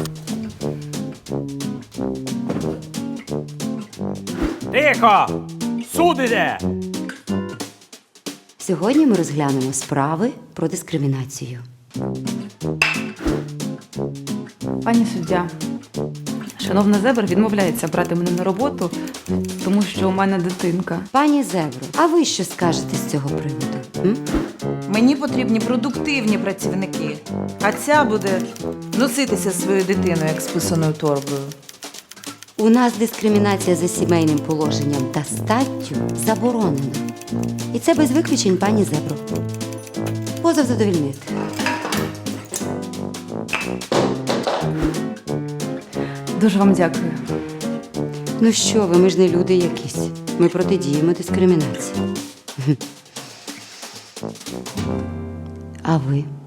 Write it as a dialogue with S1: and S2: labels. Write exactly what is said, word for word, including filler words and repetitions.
S1: Тихо! Суд іде!
S2: Сьогодні ми розглянемо справи про дискримінацію.
S3: Пані суддя, шановна Зебр відмовляється брати мене на роботу, тому що у мене дитинка.
S2: Пані Зебро, а ви що скажете з цього приводу? М?
S4: Мені потрібні продуктивні працівники, а ця буде носитися зі своєю дитиною, як з писаною торбою.
S2: У нас дискримінація за сімейним положенням та статтю заборонена. І це без виключень, пані Зебро. Позов задовільнити.
S3: Дуже вам дякую.
S2: Ну що ви, ми ж не люди якісь. Ми протидіємо дискримінації. А ви?